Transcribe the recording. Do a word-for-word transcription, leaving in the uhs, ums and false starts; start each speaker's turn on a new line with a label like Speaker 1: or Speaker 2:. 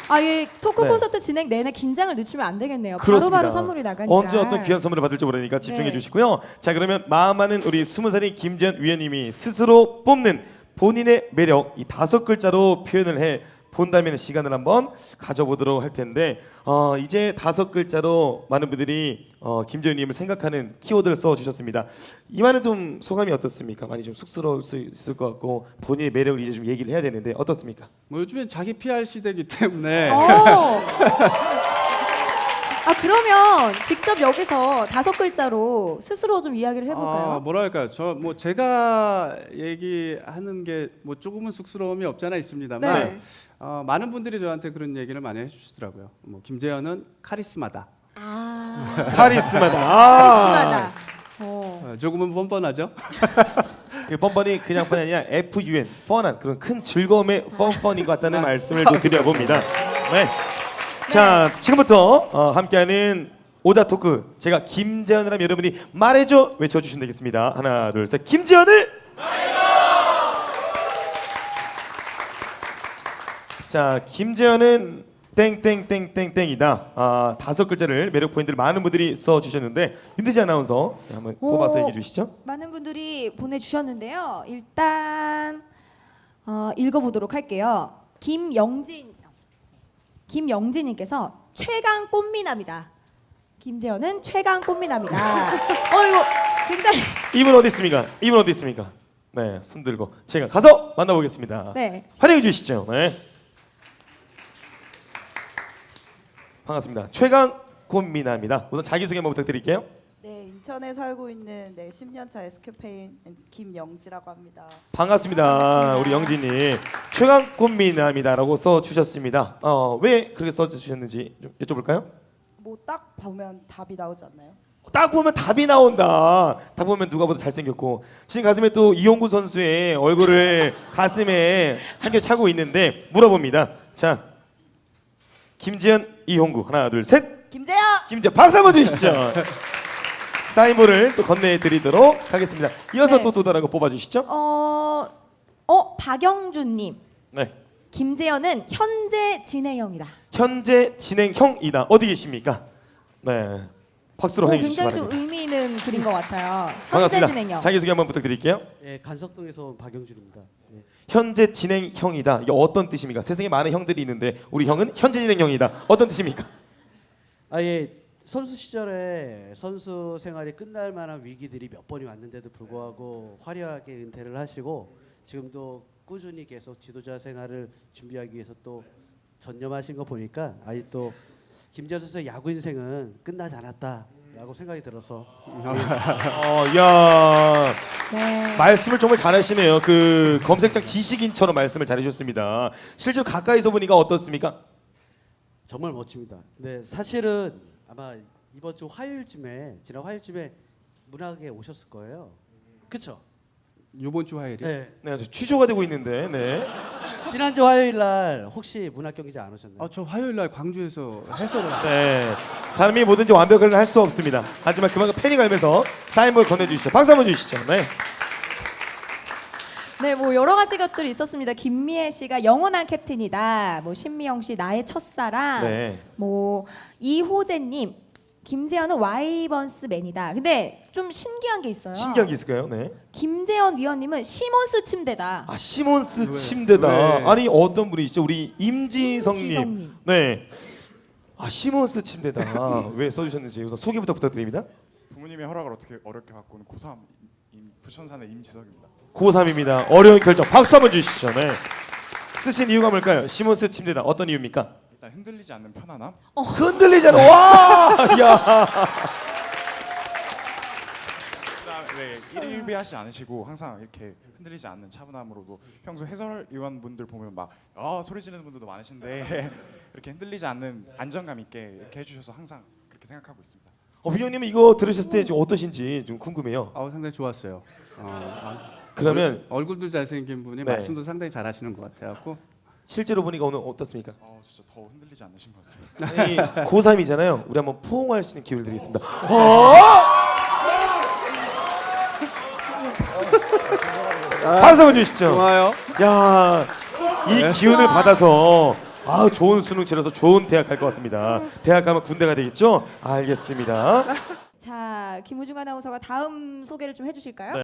Speaker 1: 아, 예, 토크
Speaker 2: 네.
Speaker 1: 콘서트 진행 내내 긴장을 늦추면 안 되겠네요.
Speaker 2: 그렇습니다.
Speaker 1: 바로바로 선물이 나가니까.
Speaker 2: 언제 어떤 귀한 선물을 받을지 모르니까 집중해
Speaker 1: 네.
Speaker 2: 주시고요. 자, 그러면 마음 많은 우리 스무 살인 김지현 위원님이 스스로 뽑는 본인의 매력 이 다섯 글자로 표현을 해 본다면 시간을 한번 가져보도록 할 텐데 어, 이제 다섯 글자로 많은 분들이 어, 김지현님을 생각하는 키워드를 써주셨습니다. 이만은 좀 소감이 어떻습니까? 많이 좀 쑥스러울 수 있을 것 같고 본인의 매력을 이제 좀 얘기를 해야 되는데 어떻습니까?
Speaker 3: 뭐 요즘엔 자기 피알 시대이기 때문에
Speaker 1: 어. 아, 그러면 직접 여기서 다섯 글자로 스스로 좀 이야기를 해볼까요?
Speaker 3: 아, 뭐랄까요? 저 뭐 제가 얘기하는 게 뭐 조금은 쑥스러움이 없잖아 있습니다만
Speaker 1: 네.
Speaker 3: 어, 많은 분들이 저한테 그런 얘기를 많이 해주시더라고요. 뭐 김재현은 카리스마다.
Speaker 1: 아,
Speaker 2: 카리스마다. 아.
Speaker 1: 카리스마다. 어.
Speaker 3: 어, 조금은 뻔뻔하죠.
Speaker 2: 그 뻔뻔이 그냥 뻔이 아니라 에프유엔 펀한 그런 큰 즐거움의 펀펀인 것 같다는 말씀을 또 드려봅니다. 네. 자, 지금부터 어, 함께하는 오자 토크 제가 김재현이라면 여러분이 말해줘 외쳐주시면 되겠습니다. 하나 둘 셋 김재현을 말해줘. 자, 김재현은 땡땡땡땡땡이다. 아, 다섯 글자를 매력 포인트를 많은 분들이 써주셨는데 윤대지 아나운서 네, 한번
Speaker 1: 오.
Speaker 2: 뽑아서 얘기해 주시죠.
Speaker 1: 많은 분들이 보내주셨는데요. 일단 어, 읽어보도록 할게요. 김영진 김영진님께서 최강 꽃미남이다. 김재현은 최강 꽃미남이다. 어 이거 굉장히
Speaker 2: 이분 어디 있습니까? 이분 어디 있습니까? 네, 손 들고 제가 가서 만나보겠습니다.
Speaker 1: 네.
Speaker 2: 환영해 주시죠. 네. 반갑습니다. 최강 꽃미남입니다. 우선 자기소개 한번 부탁드릴게요.
Speaker 4: 네, 인천에 살고 있는 네, 십 년 차 에스케페인 김영지라고 합니다.
Speaker 2: 반갑습니다.
Speaker 1: 반갑습니다.
Speaker 2: 우리 영진님 최강 꽃미남이다라고 써주셨습니다. 어, 왜 그렇게 써주셨는지 좀 여쭤볼까요?
Speaker 4: 뭐 딱 보면 답이 나오지 않나요?
Speaker 2: 딱 보면 답이 나온다. 딱 보면 누가 보다 잘생겼고 지금 가슴에 또 이용구 선수의 얼굴을 가슴에 한겹 차고 있는데 물어봅니다. 자, 김지현, 이용구 하나 둘 셋.
Speaker 4: 김재현!
Speaker 2: 김지현 박수 한번 주시죠. 사인볼을 또 건네드리도록 하겠습니다. 이어서
Speaker 1: 네.
Speaker 2: 또 또 다른 거 뽑아주시죠.
Speaker 1: 어, 어 박영준님.
Speaker 2: 네.
Speaker 1: 김재현은 현재 진행형이다.
Speaker 2: 현재 진행형이다. 어디 계십니까? 네. 박수로
Speaker 1: 오,
Speaker 2: 환영해 주시기
Speaker 1: 굉장히 좀
Speaker 2: 바랍니다.
Speaker 1: 의미 있는 글인 것 같아요. 현재
Speaker 2: 반갑습니다.
Speaker 1: 진행형.
Speaker 2: 자기소개 한번 부탁드릴게요.
Speaker 5: 예, 간석동에서 온 박영준입니다. 예.
Speaker 2: 현재 진행형이다. 이게 어떤 뜻입니까? 세상에 많은 형들이 있는데 우리 형은 현재 진행형이다. 어떤 뜻입니까?
Speaker 5: 아 예, 선수 시절에 선수 생활이 끝날 만한 위기들이 몇 번이 왔는데도 불구하고 화려하게 은퇴를 하시고 지금도 꾸준히 계속 지도자 생활을 준비하기 위해서 또 전념하신 거 보니까 아직 또 김재현 선수의 야구 인생은 끝나지 않았다라고 생각이 들어서
Speaker 2: 어, 야
Speaker 1: 네.
Speaker 2: 말씀을 정말 잘하시네요. 그 검색창 지식인처럼 말씀을 잘해주셨습니다. 실제로 가까이서 보니까 어떻습니까?
Speaker 5: 정말 멋집니다. 네, 사실은 아마 이번 주 화요일쯤에 지난 화요일쯤에 문학에 오셨을 거예요. 그렇죠?
Speaker 3: 이번 주 화요일이.
Speaker 5: 네.
Speaker 2: 네, 저 취조가 되고 있는데, 네.
Speaker 5: 지난주 화요일 날 혹시 문학 경기장 안 오셨나요?
Speaker 3: 아, 저 화요일 날 광주에서 해설을.
Speaker 2: 네, 사람이 뭐든지 완벽하게 할 수 없습니다. 하지만 그만큼 팬이 갈면서 사인볼 건네주시죠. 박수 한번 주시죠. 네.
Speaker 1: 네, 뭐 여러 가지 것들이 있었습니다. 김미애 씨가 영원한 캡틴이다. 뭐 신미영 씨 나의 첫사랑.
Speaker 2: 네.
Speaker 1: 뭐 이호재님 김재현은 와이번스맨이다. 근데 좀 신기한 게 있어요.
Speaker 2: 신기한 게 있을까요? 네.
Speaker 1: 김재현 위원님은 시몬스 침대다.
Speaker 2: 아, 시몬스
Speaker 3: 왜?
Speaker 2: 침대다.
Speaker 3: 왜?
Speaker 2: 아니 어떤 분이시죠? 우리 임지성님.
Speaker 1: 임지성님.
Speaker 2: 네. 아, 시몬스 침대다. 왜 써주셨는지 우선 소개부터 부탁드립니다.
Speaker 6: 부모님의 허락을 어떻게 어렵게 받고 온 고삼 임, 부천산의 임지석입니다.
Speaker 2: 고삼입니다. 어려운 결정. 박수 한번 주시죠. 네. 쓰신 이유가 뭘까요? 시몬스 침대다. 어떤 이유입니까?
Speaker 6: 일단 흔들리지 않는 편안함.
Speaker 2: 흔들리잖아. 와! 야!
Speaker 6: 그다음에 네, 일일비하지 않으시고 항상 이렇게 흔들리지 않는 차분함으로도 평소 해설위원분들 보면 막 아, 소리 지르는 분들도 많으신데 이렇게 흔들리지 않는 안정감 있게 이렇게 해주셔서 항상 그렇게 생각하고 있습니다.
Speaker 2: 어, 위원님 이거 들으셨을 때 좀 어떠신지 좀 궁금해요.
Speaker 3: 아, 상당히 좋았어요. 어, 아,
Speaker 2: 그러면
Speaker 3: 얼, 얼굴도 잘생긴 분이
Speaker 2: 네.
Speaker 3: 말씀도 상당히 잘하시는 것 같아요.
Speaker 2: 실제로 보니까 오늘 어떻습니까?
Speaker 6: 어, 진짜 더 흔들리지 않으신 것 같습니다.
Speaker 2: 아니, 고삼이잖아요. 우리 한번 포옹할 수 있는 기회를 드리겠습니다. 어! 박수 한번 주시죠.
Speaker 3: 좋아요.
Speaker 2: 야, 이 기운을 받아서 아 좋은 수능 치러서 좋은 대학 갈 것 같습니다. 대학 가면 군대가 되겠죠? 알겠습니다.
Speaker 1: 자, 김우중 아나운서가 다음 소개를 좀 해주실까요?
Speaker 2: 네.